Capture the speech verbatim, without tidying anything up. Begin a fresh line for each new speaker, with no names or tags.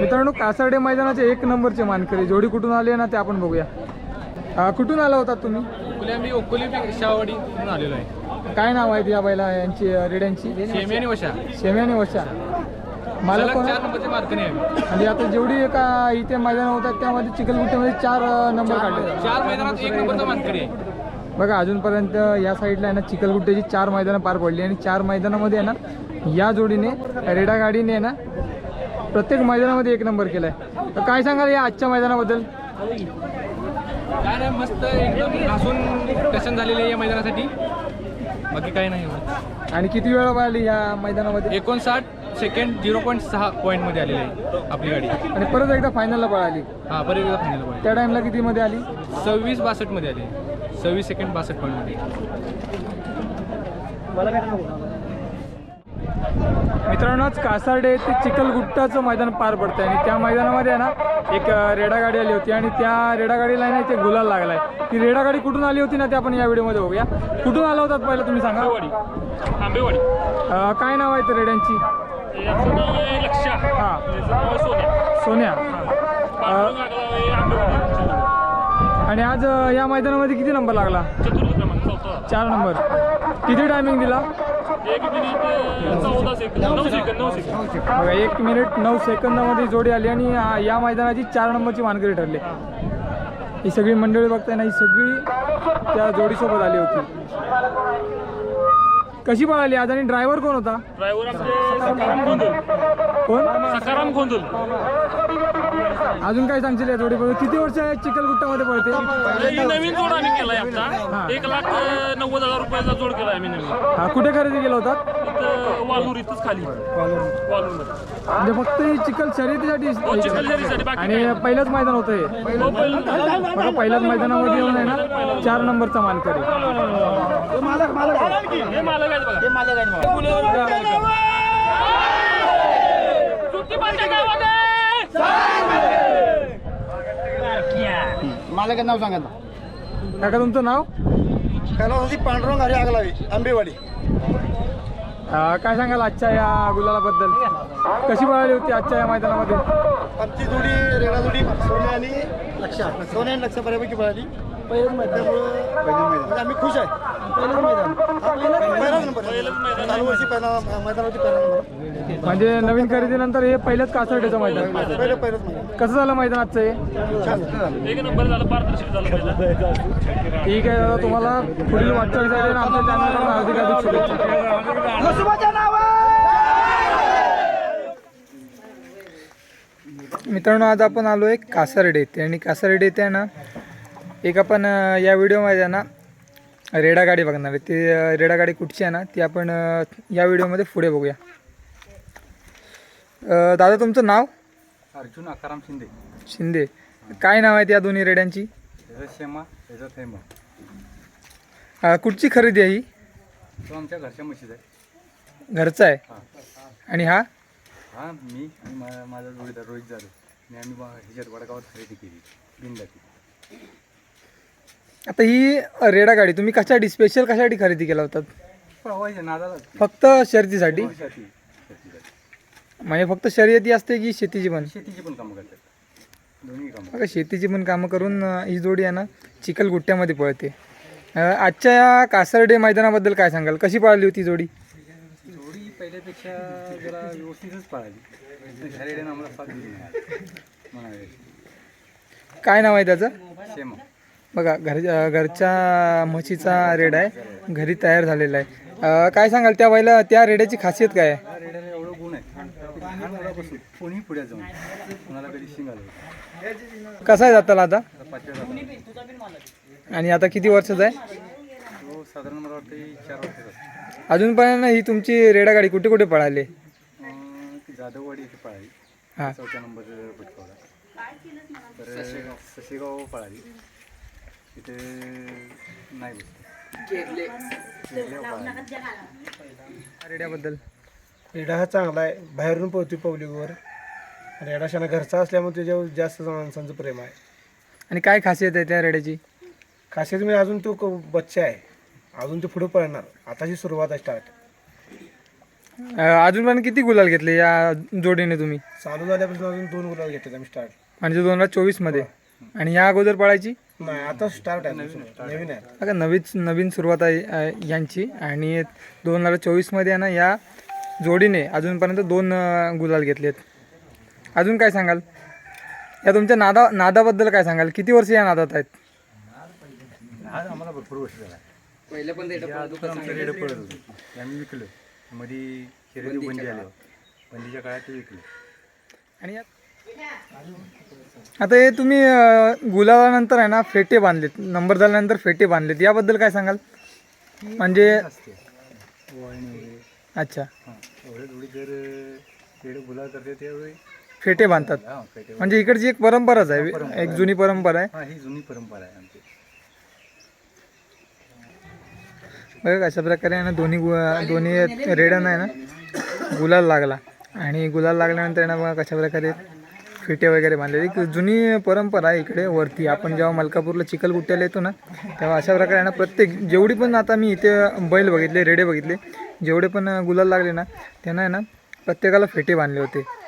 मित्रांनो, कासार्डे मैदानाचे एक नंबरचे मानकरी जोडी कुठून आली ना ते आपण बघूया. अ, कुठून आला होता तुम्ही?
अकोले आम्ही ओकोली शावाडीतून आलेलो आहे.
काय नाव आहे या बैला यांची अ, रेड्यांची?
शेमी आणि वशा
शेमी आणि वशा. मला
सलग
कोण
चार नंबरचे मार्कनी आहे.
आणि आता जेवढी एका इथे मैदान होतात त्यामध्ये चिखलगुट्ट्यामध्ये चार अ, नंबर काढले.
चार मैदानात एक नंबरचा मानकरी आहे.
बघा अजूनपर्यंत या साईडला आहे ना चिखलगुट्ट्याची चार मैदानं पार पडली आणि चार मैदानामध्ये आहे ना या जोडीने रेडा गाडीने आहे ना प्रत्येक मैदानामध्ये एक नंबर केला आहे. तर काय सांगाल या आजच्या मैदानाबद्दल?
काय नाही, मस्त एकदम घासून टशन झालेले आहे या मैदानासाठी. बाकी काही नाही.
आणि किती वेळा पाहिली या मैदानामध्ये?
एकोणसाठ सेकंड झिरो पॉईंट सहा पॉईंटमध्ये आलेली आहे आपली गाडी.
आणि परत एकदा फायनलला पळाली.
हां, बरं एकदा फायनल पॉईंट.
त्या टाईमला कितीमध्ये आली?
सव्वीस बासष्टमध्ये आली. सव्वीस सेकंड बासष्ट पॉईंटमध्ये.
मित्रांनो, आज कासार्डे ते चिखलगुट्टाचं मैदान पार पडतं आणि त्या मैदानामध्ये आहे ना एक रेडा गाडी आली होती आणि त्या रेडा गाडीला आहे ना इथे गुलाल लागला आहे. ती रेडा गाडी कुठून आली होती ना ते आपण या व्हिडिओमध्ये बघूया. कुठून आला होतात पहिलं तुम्ही सांगा?
आंबेवाडी.
अ, काय नाव आहे त्या रेड्यांची?
लक्ष
हां,
सोन्या
सोन्या. आणि आज अ, या मैदानामध्ये किती नंबर लागला?
चतुर्थ क्रमांक चौथा.
चार नंबर. किती टायमिंग दिला?
एक मिनिट चौदा सेकंद नऊ सेकंद नऊ सेकंद
बघा, एक मिनिट नऊ सेकंदामध्ये जोडी आली आणि आ, या मैदानाची चार नंबरची मानकरी ठरली. ही सगळी मंडळी बघताय ना, ही सगळी त्या जोडीसोबत आली होती. कशी पळाली आज आणि ड्रायव्हर कोण होता?
ड्रायव्हर आपले सकाराम गोंधळ.
कोण?
सकाराम गोंधळ.
अजून काय सांगशील या जोडीबद्दल? किती वर्ष चिखलगुट्टामध्ये पळते?
ही नवीन जोड आम्ही केलाय आता. एक लाख नव्वद हजार रुपयाचा जोड केलाय आम्ही नवीन.
हा, कुठे खरेदी केला होता?
इथं वालूर इथंच खाली वालूर मध्ये.
म्हणजे फक्त ही चिखल शर्यतीसाठी
चिखलदरीसाठी बाकी
आणि पहिलंच मैदान होतं हे. बघा, पहिल्याच मैदानामध्ये येऊन आहे ना चार नंबरचा मानकरी.
हे मालक आहेत बघा. हे मालक आहेत बघा.
मालकाचं नाव सांगा ना.
काका, तुमचं नाव?
कैलासवासी पांडुरंग हरी आगलावी, आंबेवाडी.
अं, काय सांगाल आजच्या या गुलालाबद्दल? कशी पळाली होती आजच्या या मैदानामध्ये?
आमची जोडी रेडा जोडी सोन्या आणि लक्षा सोन्या आणि लक्षा बऱ्यापैकी पळाली. पहिलंच मैदान त्यामुळं आम्ही खुश आहे. पहिलंच मैदान पहिलाच नंबर चालू वर्षी पहिला मैदानावरती पहिला नंबर.
म्हणजे नवीन खरेदीनंतर हे पहिलंच कासार्डेचं मैदान.
पहिलं पहिलंच मैदान.
कसं झालं मैदान आजचं हे?
एक नंबर झालं, पारदर्शक झालं पहिला.
ठीक आहे दादा, तुम्हाला पुढील वाटचालीसाठी आणि आमच्या चॅनलकडून हार्दिक हार्दिक शुभेच्छा. मित्रांनो, आज आपण आलो आहे कासार्डे येथे आणि कासार्डे येथे आहे ना एक आपण अ, या व्हिडिओमध्ये आहे ना रेडा गाडी बघणार आहे. ती अ, रेडा गाडी कुठची आहे ना ती आपण अ, या व्हिडिओमध्ये पुढे बघूया. अ, दादा, तुमचं नाव?
अर्जुन आकाराम शिंदे.
शिंदे. काय नाव आहे त्या दोन्ही रेड्यांची?
त्याचा शेमा, त्याचा थेमा.
अ, कुठची खरेदी आहे ही?
तो आमच्या घरच्या म्हशीचा आहे.
घरचा आहे.
हां
आणि हा?
हां मी आणि मा माझा जोडीदार रोहित जाधव आणि आम्ही बा ह्याच्यात वडगावात खरेदी केली बिनदाती.
आता ही रेडा गाडी तुम्ही कशासाठी, स्पेशल कशासाठी खरेदी केला होता?
पळवायचे नादाला
फक्त शर्यतीसाठी?
शेती शेतीसाठी
म्हणजे फक्त शर्यती असते की शेतीची पण?
शेतीची पण कामं करतात, दोन्ही कामं.
बघा, शेतीची पण कामं करून अ, ही जोडी आहे ना चिखलगुट्ट्यामध्ये पळते. अ, आजच्या या कासार्डे मैदानाबद्दल काय सांगाल? कशी पळाली होती जोडी?
जोडी पहिल्यापेक्षा जरा व्यवस्थितच पळाली. घरेड्यानं आम्हाला साथ दिली नाही म्हणावे.
काय नाव आहे त्याचं?
शेमा.
बघा, घर अ, घरच्या म्हशीचा रेडा आहे, घरी तयार झालेला आहे. अ, काय सांगाल त्या बैला, त्या रेड्याची खासियत काय आहे?
त्या रेड्याला एवढं गुण आहे की लहान मुलापासून कोणीही पुढे जाऊन कोणाला कधी शिंगाला.
कसा आहे जाताला आता?
पाचव्या जातात.
आणि आता किती वर्षाचा आहे?
तो साधारण मला वाटतं चार वर्षाचा.
अजूनपर्यंत ही तुमची रेडा गाडी कुठे कुठे पळाली?
ती जाधववाडी इथे पळाली,
हां.
चौथ्या नंबर पटकावला. तर ससेगाव पळाली, तिथे नाही बसली.
रेड्याबद्दल?
रेडा हा चांगला आहे, बाहेरून पळतोय पब्लिकवर. रेडा शाना घरचा असल्यामुळे त्याच्यावर जास्त माणसांचं प्रेम आहे.
आणि काय खासियत आहे त्या रेड्याची?
खासियत म्हणजे अजून तो क- बच्चा आहे, अजून ते पुढे पळणार. आताची सुरुवात आहे स्टार्ट.
अं, अजूनपर्यंत किती गुलाल घेतले या जोडीने तुम्ही?
चालू झाल्यापासून अजून दोन गुलाल घेतले आम्ही स्टार्ट.
म्हणजे दोन हजार चोवीसमध्ये. आणि या अगोदर पळायची?
नाही आता स्टार्ट आहे नवीन आहे.
आता नवीच नवीन सुरुवात आहे अं, यांची. आणि दोन हजार चोवीसमध्ये आहे ना या जोडीने अजूनपर्यंत दोन अं, गुलाल घेतलेत. अजून काय सांगाल या तुमच्या नादा नादाबद्दल काय सांगाल? किती वर्ष या नादात आहेत?
आज आम्हाला भरपूर वर्ष झाला.
पहिलं पण
आमचं रेडं पळत होतं आम्ही विकलं. मध्ये शर्यती बंदी आल्या बंदीच्या काळात ते विकलं.
आणि यात आता हे तुम्ही अं, गुलालानंतर आहे ना फेटे बांधलेत, नंबर झाल्यानंतर फेटे बांधलेत, याबद्दल काय सांगाल? म्हणजे अच्छा
एवढे थोडी जर रेडं गुलाल करते त्यावेळी
फेटे बांधतात.
हा फेटे.
म्हणजे इकडची एक परंपराच आहे, एक जुनी परंपरा आहे.
हा ही जुनी परंपरा आहे आमची.
बघा अशा प्रकारे आहे ना दोन्ही गु- दोन्ही रेडांना आहे ना गुलाल लागला. आणि गुलाल लागल्यानंतर आहे ना बघा कशा प्रकारे फिटे वगैरे बांधलेली एक जुनी परंपरा आहे इकडे वरती. आपण जेव्हा मलकापूरला चिखलगुट्ट्याला येतो ना तेव्हा अशा प्रकारे आहे ना प्रत्येक जेवढी पण आता मी इथे बैल बघितले, रेडे बघितले, जेवढे पण गुलाल लागले ना त्यांना आहे ना प्रत्येकाला फेटे बांधले होते.